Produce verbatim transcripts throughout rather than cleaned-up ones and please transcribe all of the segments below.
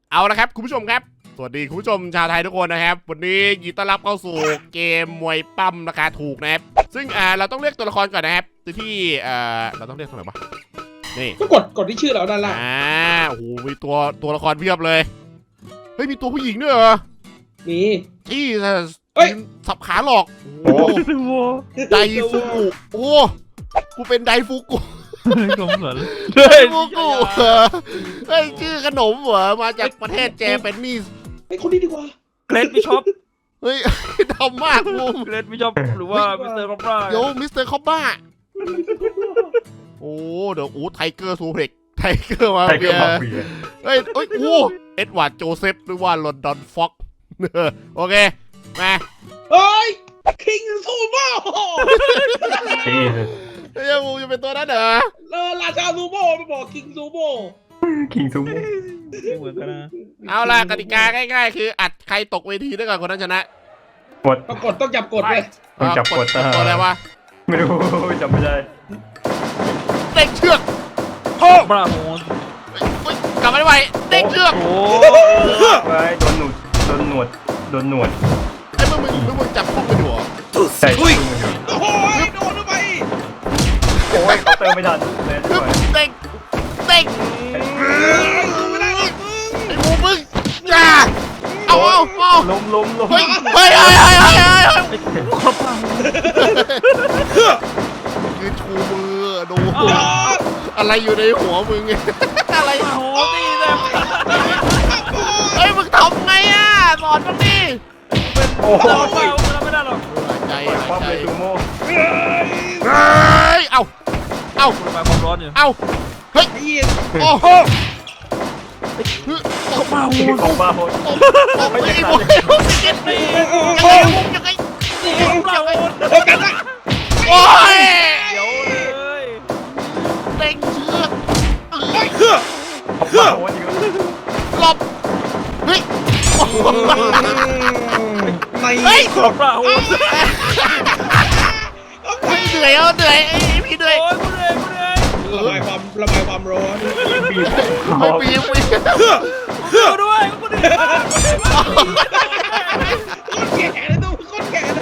เอาละครับคุณผู้ชมครับสวัสดีคุณผู้ชมชาวไทยทุกคนนะครับวันนี้ยินดีต้อนรับเข้าสู่เกมมวยปั้มราคาถูกนะครับซึ่งอ่าเราต้องเลือกตัวละครก่อนนะครับที่เอ่อเราต้องเลือกตรงไหนวะนี่ก็กดกดที่ชื่อเราด้านล่างอ่าโอ้โหมีตัวตัวละครเพียบเลยเฮ้ยมีตัวผู้หญิงด้วยเหรอมีที่เฮ้ยสับขาหลอกโอ้ไดฟูกุโอ้กูเป็นไดฟูกุขนมเหรอไดฟูกุเฮ้ยชื่อขนมเหรอมาจากประเทศเจแปนนิสไอ้คนนี้ดีกว่าเกรดบิชอปเฮ้ยดำมากมุมเกรดบิชอปหรือว่ามิสเตอร์คอปบ้าโยมิสเตอร์คอปบ้าโอ้เดี๋ยวโอ้ไทเกอร์ซูเพ็กไทเกอร์มาเบียเฮ้ยเฮ้ยโอ้เอ็ดวาร์ดโจเซฟหรือว่าลอนดอนฟ็อกโอเคมาเฮ้ยคิงซูโม่เฮ้ยมูจะเป็นตัวนั้นเหรอเออราชาซูโม่ไปบอกคิงซูโม่คิงซูโม่ไม่เหมือนกันนะเอาล่ะกติกาง่ายๆคืออัดใครตกเวทีได้ก่อนคนนั้นชนะกดต้องกดต้องจับกดเลยต้องจับกดตัวอะไรวะไม่รู้จำไม่ได้เด้งเชือกโอ้บราโฮนกลับมาได้ไวเด้งเชือกโอ้ไว้โดนหนวดโดนหนวดโดนหนวดไอ้มึงมึงมึงมึงจับพวกไปหัวใช่อุ้ยโอ้โหโดนเข้าไปโอ้ยเขาเติมไม่ทันเลยด้วยเด้งเด้งไม่ได้หรอกไอ้มูมึงจ้าเอาเอาเอาล้มล้มล้มเฮ้ยเฮ้ยเฮ้ยเฮ้ยเฮ้ยเฮ้ยคือชูมือดูอะไรอยู่ในหัวมึงอะไรโอ้ดีเลยเฮ้ยมึงทำไงอ่ะสอนมึงดิโอ้โหไม่ได้หรอกใจความเป็นซูโม่เฮ้ยเอาเอาระบายความร้อนอยู่เอาเฮ้ยโอ้โหเขามาโหดเขามาโหดไอ้บุ้ยเจ็บตียังไงยังไงยังไงโอ้กันละโอ้ยเดี๋ยวเลยเด้งเชือกเฮ้ยเฮ้ยเขามาโหดจริงหลบเฮ้ยไม่เฮ้ยเขามาโหดเฮ้ยเหนื่อยเอาเหนื่อยไอ้พี่เหนื่อยโอ้ยกูเหนื่อยกูเหนื่อยระบายความระบายความร้อนบีบไม่ปีบปีบกูด้วยกูเหนื่อยคนแก่เลยตู้คนแก่เลย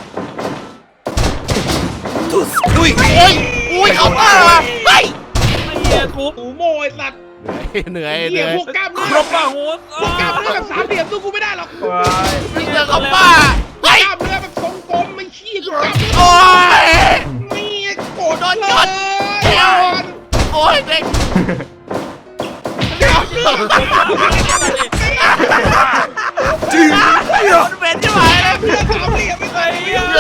ดุยเฮ้ยอุ้ยเอาบ้าเฮ้ยไม่เหี้ยทุบซูโม่ไอ้สัตว์เหนื่อยเหนื่อยพวกกล้ามเนื้อครบป่ะโหดพวกกล้ามเนื้อแบบสามเหลี่ยมสู้กูไม่ได้หรอกมิสเตอร์คอปบ้าเฮ้ยกล้ามเนื้อแบบทรงกลมไม่ขี้กล้ามโอ้ยมีโกรธโดนเลจดยโอ้ยเด็กจริงมันเป็นใช่ไหมเลยเพื่อนสามเหลี่ยมไม่ใช่เรื่อง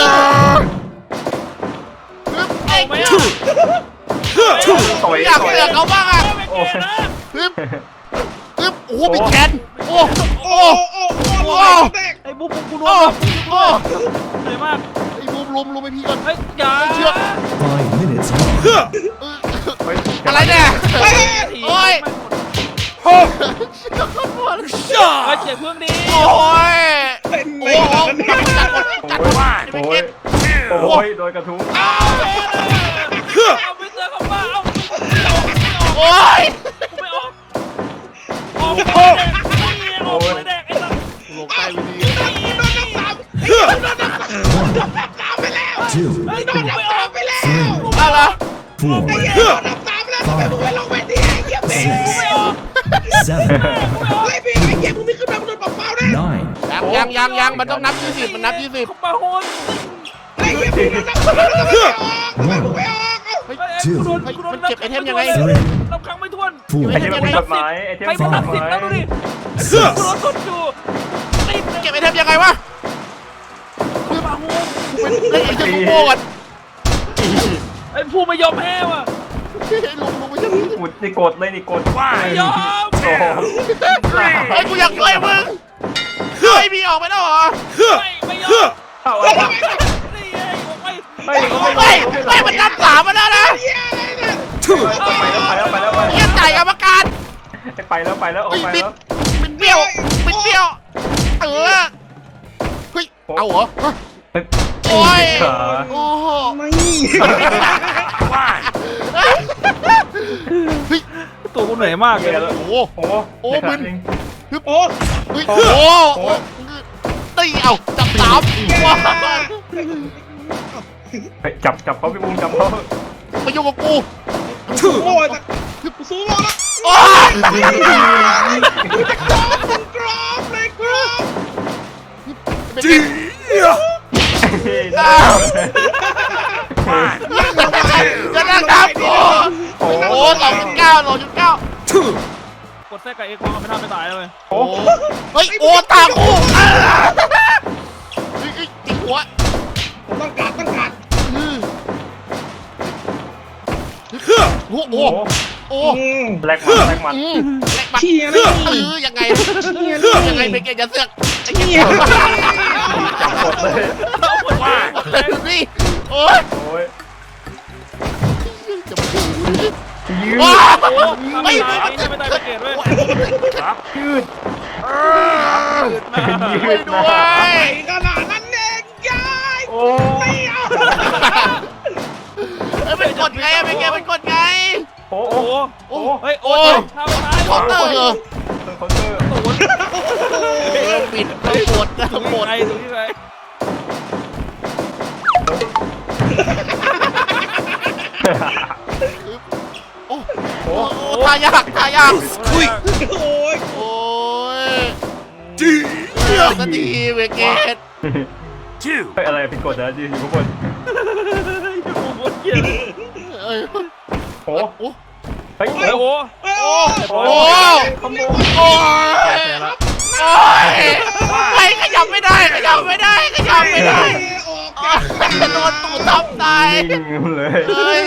เอาไหมอ่ะต่อยอยากเลือกเขาบ้างอ่ะโอ้ยนะฮึบฮึบโอ้เป็นแขนโอ้โอ้โอ้โอ้โอ้โอ้แตกไอ้บุ๊บกูโดโอ้นโอ้เหนื่อยมากไอ้บูมลุมลุมไปพี่ก่อนเฮ้ยอย่าเชือก Five minutes long. อะไรเนี่ยโอ้ยโอ้เชือกขบวนไอ้เจ็บเพื่อนดีโอ้ยเป็นโอ้ไม่โหทันจัดจัดว่าโอ้ยโอ้ยโดนกระทุ้งเอาไปเจอเขาบ้าเอาโอ้ยกูไม่ออกออกไปแดกออกไปแดกไอ้สัสลงใต้ไปดีโดนน้ำสามโดนน้ำสามโดนน้ำสามไปแล้ว Two. โดนน้ำสามไปแล้วอะไร Four. ไอ้เหี้ยโดนน้ำสามแล้วทำไมมึงไม่ลงไปดิไอ้เหี้ยเบง Seven. ไอ้เบงไอ้เหี้ยมึงไม่ขึ้นมามึงโดนเปล่าๆนะ Nine. ยังยังยังยังมันต้องนับยี่สิบมันนับยี่สิบเขามาโหดไอ้เหี้ยมึงโดนน้ำสามแล้วทำไมมึงไม่ออกทำไมมึงไม่ออกเฮ้ยกูโดนกูโดนนับครั้งไม่ถ้วน Four. ไอ้ที่มันผิดกฎหมายไอ้ที่ให้มันมันผิดนักบฎหสิบมายแล้วดูดิกูโดนกดอยู่ติดเก็บไอเทมยังไงวะคือมาโหดเป็นเล่นไอเทมโง่กันไอ้ผู้ไม่ยอมแพ้ว่ะลุงลุงไม่ใช่อุดนี่กดเลยนี่กดว่าไม่ยอมโอ้โหไอ้กูอยากช่วยมึงเฮ้ยพี่ออกไปแล้วเหรอไม่ไม่ยอมเอานี่เอาไงออกไปไม่เขาไม่เฮ้ยเฮ้ยมันนับสามมาแล้วนะไปแล้วไปแล้วไปแล้วเยี่ยจ่ายกรรมการไปแล้วไปแล้วออกไปแล้วเป็นเบี้ยวเป็นเบี้ยวเออเฮ้ยเอาเหรอโอ้ยโอ้โหไม่ว้าเฮ้ยตัวกูเหนื่อยมากเลยแล้วโอ้โหโอ้โหโอ้มึนโอ้เฮ้ยโอ้โหตีเอาจับสามว้าเฮ้ยจับจับเขาพี่บูมจับเขามายุ่งกับกูโอ้ยกูสู้รอดโอ้ยกรอบเลยกรอบจีจะนั่งทับกูโอ้โหสองจุดเก้าสองจุดเก้ากดแทรกกับเอ็กซ์มันไม่ทำไม่ตายเลยโอ้เฮ้ยโอ้ตากูเฮ้ยจิกหัวต้องการต้องการโอ้โหโอ้แลกมันแลกมันเชียร์เลยเออยังไงยังไงเป็นแกจะเสือกไอ้เหี้ยจับหมดเลยว่านี่โอ้ยโอ้ยจะมาดูยืดว้าโอ้ไม่ไม่ตายไม่ตายไม่เกตเว้ยครับยืดไม่ด้วยขนาดนั้นเองยายโอ้ไม่เอาเอ้ยเป็นกดไงเป็นไงเป็นกดไงโอ้โอ้โอ้โหเฮ้ยโอ้ยทำไม่ตายคอนเตอร์เหรอเคาน์เตอร์ตูนปิดทั้งหมดทั้งหมดไอ้ตูนที่ไหนโอ้โหทายากทายากอุ้ยโอ้ยโอ้ยจีนาทีเวเกตเฮ้ยอะไรผิดกฎนะจีอยู่ข้างบนอยู่บนเกียร์เอ้ยโอ้โอ้เฮ้ยโอ้โหโอ้โอ้โอ้โอ้ยโอ้ยไม่ขยับไม่ได้ขยับไม่ได้ขยับไม่ได้ออกโดนตูดทับตายนิ่งเลยเฮ้ย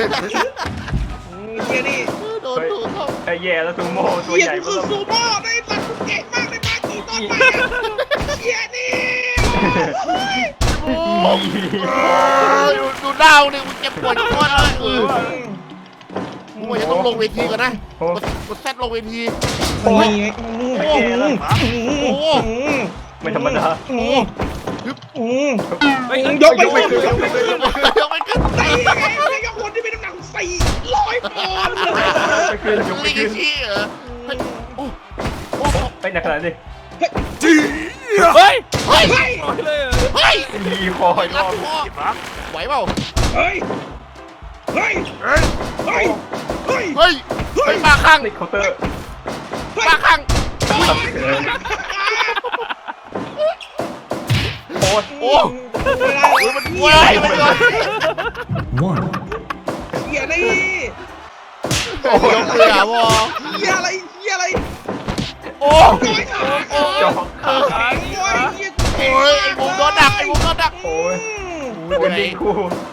เชียร์นี่โดนตูดทับไอ้แย่แล้วซูโม่ตัวเชียใหญ่ร์มาคืกอซูโม่ได้ตัดเก่งมากเลยมากี่ต้นมาเชียร์นี่โอ้ยดูดาวนี่มันเจ็บปวดโคตรเลยเออมึงว่าจะต้องลงเวทีก่อนนะกดกดแซดลงเวทีโอ้ยไอ้แย่แล้วโอ้โหไม่ธรรมดาโอ้โหเฮ้ยยกไปขึ้นยกไม่ขึ้นยกไม่ขึ้นตีไงไม่ยกคนที่มีน้ำหนักสี่ร้อยปอนด์ไปขึ้นยกไปลิขึ้นชี่เหรอเฮ้ยโอ้โอ้ไปหนักขนาดนี้เฮ้ยเฮ้ยเฮ้ยปล่อยเลยเฮ้ยยีคออีกรรัอดบคอไหวเปล่าเฮ้ยเฮ้ยเฮ้ยเฮ้ยเฮ้ยเฮ้ยเฮ้ยมาข้างติดเคาน์เตอร์มาข้างโอ้ยโอ้โหมันว้ายมันเลย One. เฮียนี่โอ้โหยกเลยอ่ะวอเฮียอะไรเฮียอะไรโอ้น้อยขาโอ้ยจอกโอ้ยเฮียโอ้ยไอ้บุ๋มโดนดักไอ้บุ๋มโดนดักโอ้ยวันนี้คู่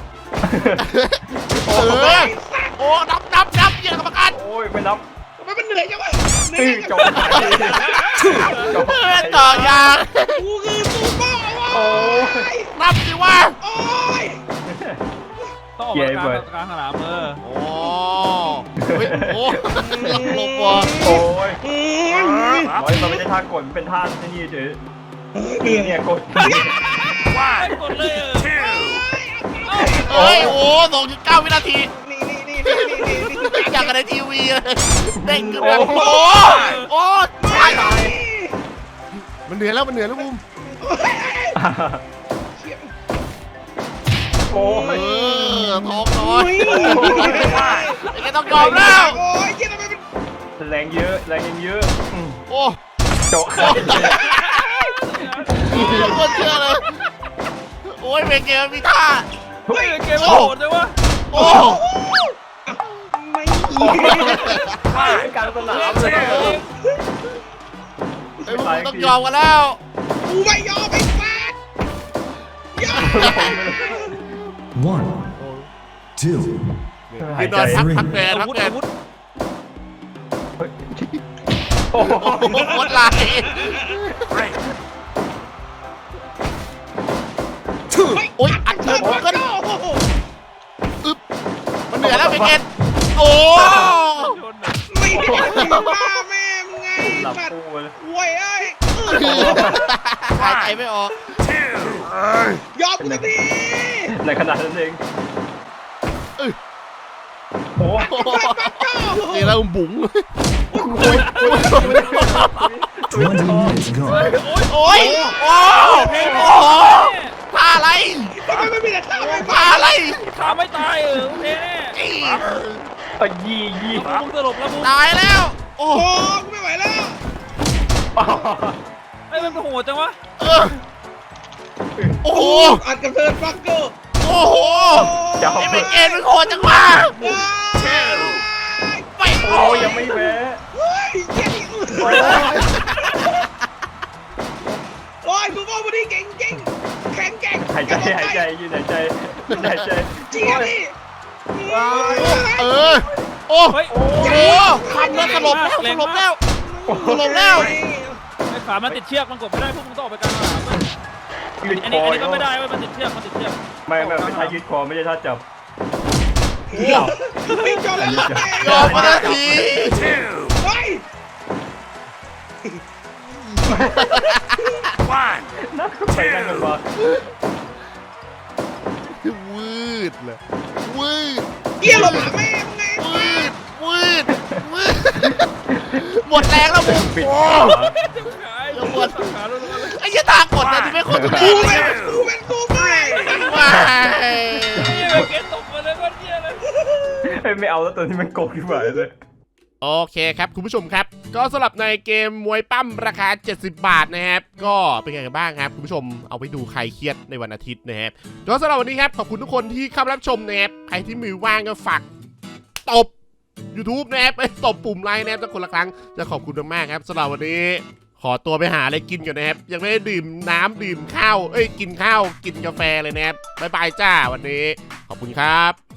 เออโอ้นับนับนับเยี่ยกรรมการโอ้ยไม่นับมันเป็นเหนื่อยจังวะเหนื่ตื้ออย จจับงจบเพื่อนต่อยางกูคือซูโม่โอ้วะยนับสิว่าโอ้ยต้องออกมากลางกลางสนามเออโอ้เฮ้ยโอ้หลับลงว่ะโอ้ยอืมร้อยมันไม่ใช่ท่ากดมันเป็นท่าที่นี่เฉยเหนื่อยเนี่ยกดกดเลยเฮ้ยโอ้สองจุดเก้าวินาทีนี่นี่นี่นี่นี่นี่นี่อย่างกันในทีวีเลยเด้งขึ้นมาโอ้โหโอ้ตายมันเหนื่อยแล้วมันเหนื่อยแล้วบุ้มโอ้เอย อท้องน้อโอ้ยยไอ้แกต้องยอมแล้วโอ้ยเฮียทำไมมันแรงเยอะแรงยังเยอะโอ้โจกโอ้โคตรเชื่อเลยโอ้ยเบเกมมีท่าเฮ้ยเกมโหดเลยวะโอ้ไม่กลางสนามเลยไอ้พวกมึงต้องยอมกันแล้วกูไม่ยอมไอ้สัสยอม One. Two. คือนอนพักพักแดดอาพักวุธแดอาดวุธโอ้โหโอ้โหโคตรลายโอ้ยอัดเชิญผมกันอึ๊บมันเหนื่อยแล้วเบเกตโอ้ชนแบบไม่ได้บ้าแม่มึงไงหลับสัตว์ปูเลยโว้ยเอ้ยหายใจไม่ออกยอมกูสักทีในขนาดนั้นเองโอ้นี่แล้วบุ๋งโห twenty minutes gone. โอ้ยโอ้โหท่าอะไรทำไมไม่มีแต่ท่าไม่ท่าอะไรขาไม่ตายเออโอเคแน่อี๋อ่ะยี่ยี่แล้วมึงสลบแล้วมึงตายแล้ว โอ้โอ้กูไม่ไหวแล้วไอ้มันโหดจังวะเออโอ้โหอัดกับเทิร์นฟักเกอร์โอ้โหจะเอาไอ้ไปเมเกนมันโหดจังวะไปโอ้ยังไม่แพ้เฮ้ยเก่งโอ้ยกูว่าวันนี้เก่งจริงแข็งแกร่งหายใจหายใจยืนหายใจยืนหายใจเจี๊ยบดิเออโอ้เฮ้ยโอ้โหทำแล้วสลบแล้วสลบแล้วสลบแล้วไอ้ขามันติดเชือกมันกดไม่ได้พวกมึงต้องออกไปกลางสนามเว้ยยืดอันคนี้ออันนี้ก็ไม่ได้เว้ยมันติดเชือกมันติดเชือกไม่ไม่เป็นท่ายืดคอไม่ใช่ท่าจับไม่จบแล้วยอมมานาทีเฮ้ยนั่งไปนั่งกันมาวืดเลยวืดเกี่ยวหลบหาแม่มึงไงวืดวืดวืดหมดแรงแล้วมึงปิดโอ้ขาขายปวดขาล้วนๆเลยไอ้ยี่ตากดนะที่ไม่คนตัวกูแรเป็นงกูเป็นกูไม่ว้ายไอ้เกตตกมาเลยก็เที่ยเลยเฮ้ยไม่เอาแล้วตัวนี้มันโกงขึ้นมาเลยโอเคครับคุณผู้ชมครับ ก็สำหรับในเกมมวยปั้มราคาเจ็ดสิบบาทนะครับ ก็เป็นไงกันบ้างครับคุณผู้ชมเอาไปดูใครเครียดในวันอาทิตย์นะครับก็สำหรับวันนี้ครับขอบคุณทุกคนที่เข้ามารับชมนะครับใครที่มือว่างก็ฝากตบ YouTube นะครับไปตบปุ่มไลค์นะครับสักคนละครั้งจะขอบคุณมากๆครับสำหรับวันนี้ ขอตัวไปหาอะไรกินก่อนนะครับยังไม่ได้ดื่มน้ำดื่มข้าวเอ้ยกินข้าวกินกาแฟเลยนะครับบ๊ายบายจ้าวันนี้ขอบคุณครับ